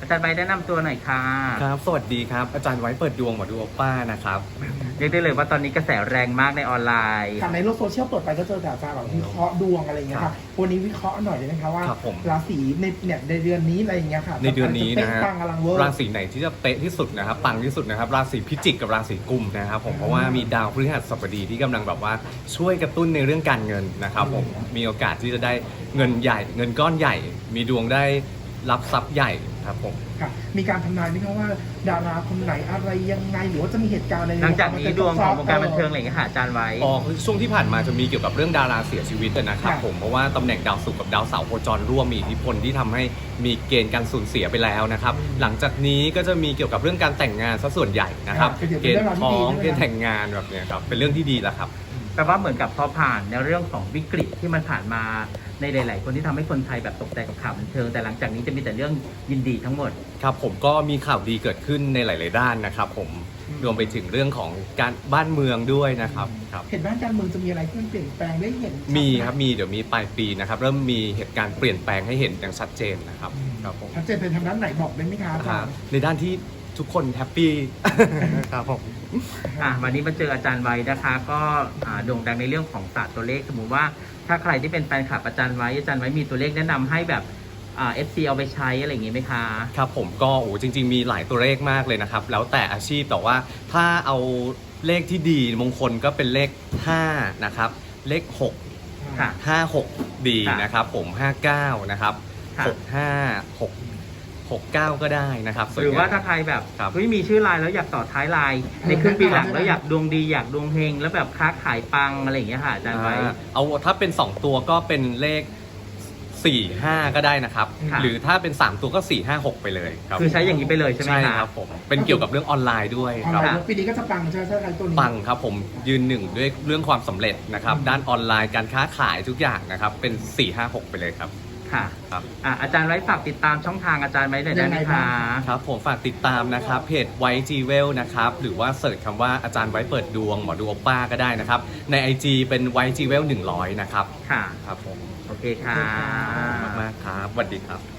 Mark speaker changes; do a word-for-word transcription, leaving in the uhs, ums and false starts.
Speaker 1: อาจารย์ใบแนะนำตัวหน่อยค่ะ
Speaker 2: ครับสวัสดีครับอาจารย์ไว้เปิดดวงหมอดูโอป้านะครับ
Speaker 1: เรียกได้เลยว่าตอนนี้กระแสแรงมากในออนไลน์
Speaker 3: ค่ะในโลกโซเชียลเปิดไปก็เจอแต่อาจารย์แบบวิเคราะห์ดวงอะไรอย่างเงี้ยค่ะวันนี้วิเคราะห์หน่อยได้ไหมคะว่าราศีในเนี่ยในเดือนนี้อะไรอย่างเงี้ยค่ะ
Speaker 2: ในเดือนนี้นะฮะราศีไหนที่จะเป๊ะที่สุดนะครับปังที่สุดนะครับราศีพิจิกกับราศีกุมนะครับผมเพราะว่ามีดาวพฤหัสบดีที่กำลังแบบว่าช่วยกระตุ้นในเรื่องการเงินนะครับผมมีโอกาสที่จะได้เงินใหญ่เงินก้อนใหญ่มีดวงได้รับทรัพย์ใหญ่ครับผม
Speaker 3: ค่ะมีการทำนายไหมครับว่าดาราคนไหนอะไรยังไงหรือว่าจะมีเหตุการณ์อะไร
Speaker 1: หลังจากนี้ดวงของวงการบันเทิงอะไรอย่างเงี้ยค่ะอาจารย์ไว้
Speaker 2: อ๋อช่วงที่ผ่านมาจะมีเกี่ยวกับเรื่องดาราเสียชีวิตนะครับผมเพราะว่าตำแหน่งดาวศุกร์กับดาวเสาร์โคจรร่วมมีอิทธิพลที่ทำให้มีเกณฑ์การสูญเสียไปแล้วนะครับหลังจากนี้ก็จะมีเกี่ยวกับเรื่องการแต่งงานซะส่วนใหญ่นะครับเกณฑ์ท้องเกณฑ์แต่งงานแบบนี้ครับเป็นเรื่องที่ดีแล้วครับ
Speaker 1: แปลว่าเหมือนกับพอผ่านในเรื่องของวิกฤตที่มันผ่านมาในหลายๆคนที่ทำให้คนไทยแบบตกใจกับข่าวบันเทิงแต่หลังจากนี้จะมีแต่เรื่องยินดีทั้งหมด
Speaker 2: ครับผมก็มีข่าวดีเกิดขึ้นในหลายๆด้านนะครับผมรวมไปถึงเรื่องของการบ้านเมืองด้วยนะครับครับ
Speaker 3: เห็นบ้านการเมืองจะมีอะไรที่มันเปลี่ยนแปลงได้เห็น
Speaker 2: มีครับมีเดี๋ยวมีปลายปีนะครับเริ่มมีเหตุการณ์เปลี่ยนแปลงให้เห็นอย่างชัดเจนนะครับครับผม
Speaker 3: ชัดเจนในทางด้านไหนบอกได้ไหมครับ
Speaker 2: ในด้านที่ทุกคนแฮปปี้ครับผม
Speaker 1: อ่ะวันนี้มาเจออาจารย์ไว้นะคะก็โด่งดังในเรื่องของศาสตร์ตัวเลขสมมติว่าถ้าใครที่เป็นแฟนคลับอาจารย์ไว้อาจารย์ไว้มีตัวเลขแนะนำให้แบบอ่า เอฟ ซี เอาไปใช้อะไรอย่างงี้ไหมคะ
Speaker 2: ครับผมก็โอ้จริงๆมีหลายตัวเลขมากเลยนะครับแล้วแต่อาชีพแต่ว่าถ้าเอาเลขที่ดีมงคลก็เป็นเลขห้านะครับเลขหก
Speaker 1: ค่ะ
Speaker 2: ห้าหกดีนะครับผมห้าเก้านะครับหกห้าหกหกเก้าก็ได้นะครับ
Speaker 1: หรือว่าถ้าใครแบบเฮ้ยมีชื่อไลน์แล้วอยากต่อท้ายไลน์ในครึ่งปีหลังแล้วอยากดวงดีอยากดวงเฮงแล้วแบบค้าขายปังอะไรอย่างเงี้ยค่ะอาจารย์ไว้
Speaker 2: เอาถ้าเป็นสองตัวก็เป็นเลขสี่ห้าก็ได้นะครับหรือถ้าเป็นสามตัวก็สี่ห้าหกไปเลยครับ
Speaker 1: คือใช้อย่างนี้ไปเลยใช่ไหม
Speaker 2: ใช่ครับผมเป็นเกี่ยวกับเรื่องออนไลน์ด้วย
Speaker 3: ครับปีนี้ก็จะปังใช่ไหมใช่ตัวนี้
Speaker 2: ปังครับผมยืนหนึ่งด้วยเรื่องความสำเร็จนะครับด้านออนไลน์การค้าขายทุกอย่างนะครับเป็นสี่ห้าหกไปเลยครับ
Speaker 1: ค่ะครับอ่ะอาจารย์ไว้ฝากติดตามช่องทางอาจารย์ไว้หน่อยได้ไหมคะ
Speaker 2: ครับผมฝากติดตามนะครับเพจไว้จีเวลนะครับหรือว่าเสิร์ชคำว่าอาจารย์ไว้เปิดดวงหมอดูโอป้าก็ได้นะครับใน ไอ จี เป็นไว้จีเวลหนึ่งร้อยนะครับ
Speaker 1: ค่ะ
Speaker 2: ครับผม
Speaker 1: โอเคค่ะ
Speaker 2: มากๆครับสวัสดีครับ